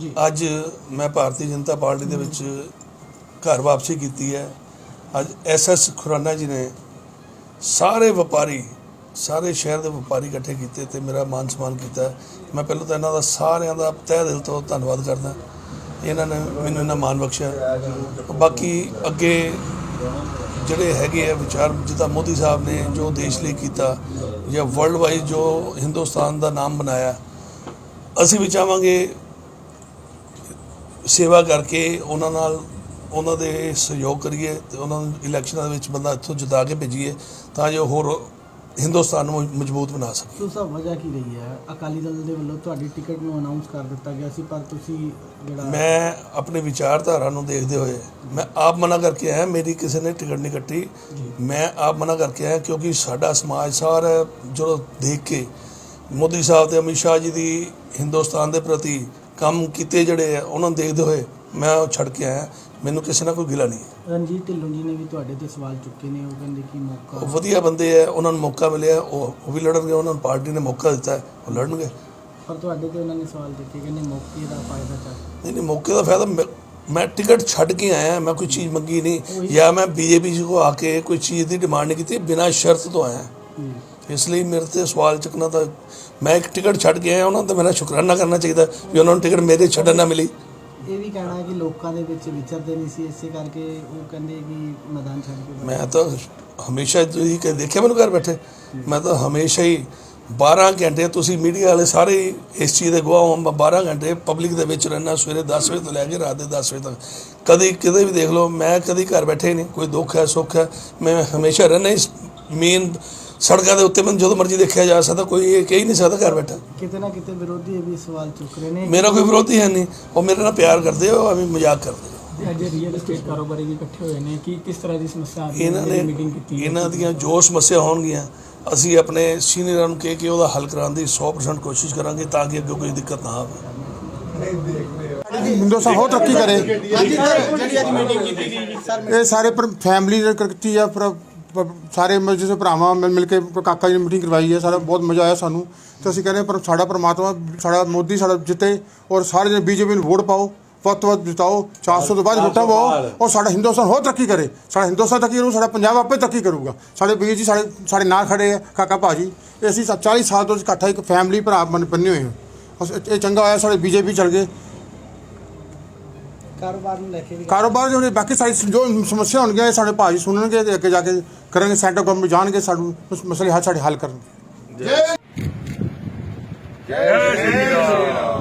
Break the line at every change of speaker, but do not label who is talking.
ਅੱਜ मैं भारतीय जनता पार्टी ਦੇ ਵਿੱਚ घर वापसी की है। ਅੱਜ SS खुराना जी ने सारे व्यापारी सारे शहर के व्यापारी इकट्ठे किए तो मेरा मान सम्मान किया। मैं पहले तो इन्हों का सारिਆਂ ਦਾ तह दिल तो धन्यवाद करदा। इन्होंने मैनूं इन्ना मान बख्शिया। बाकी अगे ਜਿਹੜੇ ਹੈਗੇ ਆ ਵਿਚਾਰ ਜਿੱਦਾਂ ਮੋਦੀ ਸਾਹਿਬ ਨੇ ਜੋ ਦੇਸ਼ ਲਈ ਕੀਤਾ ਜਾਂ ਵਰਲਡ ਵਾਈਡ ਜੋ ਹਿੰਦੁਸਤਾਨ ਦਾ ਨਾਮ ਬਣਾਇਆ, ਅਸੀਂ ਵੀ ਚਾਹਾਂਗੇ ਸੇਵਾ ਕਰਕੇ ਉਹਨਾਂ ਨਾਲ ਉਹਨਾਂ ਦੇ ਸਹਿਯੋਗ ਕਰੀਏ ਤੇ ਉਹਨਾਂ ਨੂੰ ਇਲੈਕਸ਼ਨਾਂ ਦੇ ਵਿੱਚ ਬੰਦਾ ਇੱਥੋਂ ਜਿਤਾ ਕੇ ਭੇਜੀਏ ਤਾਂ ਜੋ ਹੋਰ हिंदुस्तान ਨੂੰ ਮਜ਼ਬੂਤ ਬਣਾ ਸਕੇ।
तो सब वजह की रही है अकाली दल ਦੇ ਵੱਲੋਂ ਤੁਹਾਡੀ ਟਿਕਟ ਨੂੰ ਅਨਾਉਂਸ ਕਰ ਦਿੱਤਾ ਗਿਆ ਸੀ, ਪਰ ਤੁਸੀਂ ਜਿਹੜਾ
मैं अपने विचारधारा ਨੂੰ देखते हुए मैं आप मना करके आया। मेरी किसी ने टिकट नहीं कट्टी, मैं आप मना करके आया क्योंकि साडा समाज सारा जो देख के मोदी साहब ते अमित शाह जी की हिंदुस्तान के प्रति काम किए जड़े है उन्होंने देखते हुए मैं छड़ के आया। मैनू किसी ना कोई गिला नहीं।
ਰਣਜੀਤ ਢਿੱਲੋਂ ਜੀ ਨੇ ਵੀ ਤੁਹਾਡੇ ਤੇ ਸਵਾਲ ਚੁੱਕੇ ਨੇ, ਉਹ ਕਹਿੰਦੇ ਕਿ ਮੌਕਾ
ਵਧੀਆ ਬੰਦੇ ਹੈ, ਉਹਨਾਂ ਨੂੰ ਮੌਕਾ ਮਿਲਿਆ, ਉਹ ਵੀ ਲੜਨਗੇ। ਉਹਨਾਂ ਨੂੰ ਪਾਰਟੀ ਨੇ ਮੌਕਾ ਦਿੱਤਾ ਹੈ, ਉਹ ਲੜਨਗੇ।
ਪਰ ਤੁਹਾਡੇ ਤੇ ਉਹਨਾਂ ਨੇ ਸਵਾਲ ਦਿੱਤੇ, ਕਹਿੰਦੇ ਮੌਕੇ ਦਾ ਫਾਇਦਾ ਚੱਕ।
नहीं मौके का फायदा मैं टिकट छड़ के आया, मैं कोई चीज़ मंगी नहीं या मैं बीजेपी को आके कोई चीज़ की डिमांड नहीं की, बिना शर्त तो आया। इसलिए मेरे से सवाल चुकना था। मैं एक टिकट छड़ के आया, उन्होंने तो मेरा शुकराना करना चाहिए भी उन्होंने टिकट मेरे छड़न ना मिली।
ਇਹ ਵੀ ਕਹਿਣਾ ਹੈ ਕਿ ਲੋਕਾਂ ਦੇ ਵਿੱਚ ਵਿਚਰਦੇ ਨਹੀਂ ਸੀ, ਇਸੇ ਕਰਕੇ ਉਹ ਕਹਿੰਦੇ ਕਿ ਮੈਦਾਨ ਛੱਡ ਕੇ।
मैं तो हमेशा यही कह देखिए मैंने घर बैठे, मैं तो हमेशा ही 12 घंटे ਤੁਸੀਂ ਮੀਡੀਆ ਵਾਲੇ ਸਾਰੇ ਇਸ ਚੀਜ਼ ਦੇ ਗਵਾਹ ਹੋ। ਮੈਂ 12 ਘੰਟੇ ਪਬਲਿਕ ਦੇ ਵਿੱਚ ਰਹਿਣਾ, ਸਵੇਰੇ 10 ਵਜੇ ਤੋਂ ਲੈ ਕੇ ਰਾਤ ਦੇ 10 ਵਜੇ ਤੱਕ। ਕਦੀ ਕਿਤੇ ਵੀ ਦੇਖ ਲਓ, ਮੈਂ ਕਦੀ ਘਰ ਬੈਠੇ ਹੀ ਨਹੀਂ। ਕੋਈ ਦੁੱਖ ਹੈ ਸੁੱਖ ਹੈ ਮੈਂ ਹਮੇਸ਼ਾ ਰਹਿਣਾ ਇਸ ਮੇਨ ਸੜਕਾਂ ਦੇ ਉੱਤੇ। ਮੈਨੂੰ ਜਦੋਂ ਮਰਜ਼ੀ ਦੇਖਿਆ ਜਾ ਸਕਦਾ, ਕੋਈ ਇਹ ਕਹਿ ਹੀ ਨਹੀਂ ਸਕਦਾ ਘਰ ਬੈਠਾ।
ਕਿਤੇ ਨਾ ਕਿਤੇ ਵਿਰੋਧੀ ਇਹ ਵੀ ਸਵਾਲ ਚੁੱਕ ਰਹੇ ਨੇ।
ਮੇਰਾ ਕੋਈ ਵਿਰੋਧੀ ਹੈ ਨਹੀਂ, ਉਹ ਮੇਰੇ ਨਾਲ ਪਿਆਰ ਕਰਦੇ ਹੋ, ਐਵੇਂ ਮਜ਼ਾਕ ਕਰਦੇ।
ਅੱਜ ਰੀਅਲ ਏਸਟੇਟ ਕਾਰੋਬਾਰੀ ਵੀ ਇਕੱਠੇ ਹੋਏ ਨੇ, ਕਿ ਕਿਸ ਤਰ੍ਹਾਂ ਦੀ ਸਮੱਸਿਆ ਆ ਰਹੀ ਹੈ?
ਇਹਨਾਂ ਨੇ
ਮੀਟਿੰਗ ਕੀਤੀ,
ਇਹਨਾਂ ਦੀਆਂ ਜੋ ਸਮੱਸਿਆ ਹੋਣਗੀਆਂ ਅਸੀਂ ਆਪਣੇ ਸੀਨੀਅਰਾਂ ਨੂੰ ਕਹਿ ਕੇ ਉਹਦਾ ਹੱਲ ਕਰਾਉਣ ਦੀ 100% ਕੋਸ਼ਿਸ਼ ਕਰਾਂਗੇ ਤਾਂ ਕਿ ਅੱਗੇ ਕੋਈ ਦਿੱਕਤ ਨਾ ਆਵੇ।
हिंदुस्तान हो तरक्की करे। ये सारे फैमिली ने ਕੀਤੀ ਆ, ਸਾਰੇ ਜਿਵੇਂ ਭਰਾਵਾਂ ਮਿਲ ਕੇ ਕਾਕਾ ਜੀ ਨੇ ਮੀਟਿੰਗ ਕਰਵਾਈ ਹੈ। ਸਾਰਾ ਬਹੁਤ ਮਜ਼ਾ ਆਇਆ ਸਾਨੂੰ ਤੇ ਅਸੀਂ ਕਹਿੰਦੇ ਪਰ ਸਾਡਾ ਪਰਮਾਤਮਾ ਸਾਡਾ ਮੋਦੀ ਸਾਡਾ ਜਿੱਤੇ ਔਰ ਸਾਰੇ ਜਣੇ ਬੀਜੇਪੀ ਨੂੰ ਵੋਟ ਪਾਓ, ਵੱਧ ਤੋਂ ਵੱਧ ਜਿਤਾਓ, 400 ਤੋਂ ਬਾਅਦ ਵੋਟਾਂ ਪਾਓ ਔਰ ਸਾਡਾ ਹਿੰਦੁਸਤਾਨ ਹੋਰ ਤਰੱਕੀ ਕਰੇ। ਸਾਡਾ ਹਿੰਦੁਸਤਾਨ ਤਰੱਕੀ ਕਰੂ, ਸਾਡਾ ਪੰਜਾਬ ਆਪੇ ਤਰੱਕੀ ਕਰੂਗਾ। ਸਾਡੇ ਵੀਰ ਜੀ ਸਾਡੇ ਨਾਲ ਖੜੇ ਆ, ਕਾਕਾ ਭਾਜੀ। ਅਸੀਂ 40 ਸਾਲ ਤੋਂ ਇਕੱਠਾ ਇੱਕ ਫੈਮਿਲੀ ਭਰਾ ਬੰਨੇ ਹੋਏ ਹਾਂ। ਇਹ ਚੰਗਾ ਹੋਇਆ ਸਾਡੇ ਬੀਜੇਪੀ ਚਲ ਗਏ।
ਕਾਰੋਬਾਰ ਨੂੰ ਲੈ ਕੇ ਵੀ
ਕਾਰੋਬਾਰ ਜੋ ਬਾਕੀ ਸਾਰੀ ਜੋ ਸਮੱਸਿਆ ਹੋਣਗੀਆਂ ਸਾਡੇ ਭਾਜੀ ਸੁਣਨਗੇ ਤੇ ਅੱਗੇ ਜਾ ਕੇ ਕਰਾਂਗੇ। ਸੈਂਟਰ ਗਵਰਨਮੈਂਟ ਜਾਣਗੇ, ਸਾਨੂੰ ਮਸਲੇ ਸਾਡੇ ਹੱਲ ਕਰਨਗੇ।
जय श्री राम।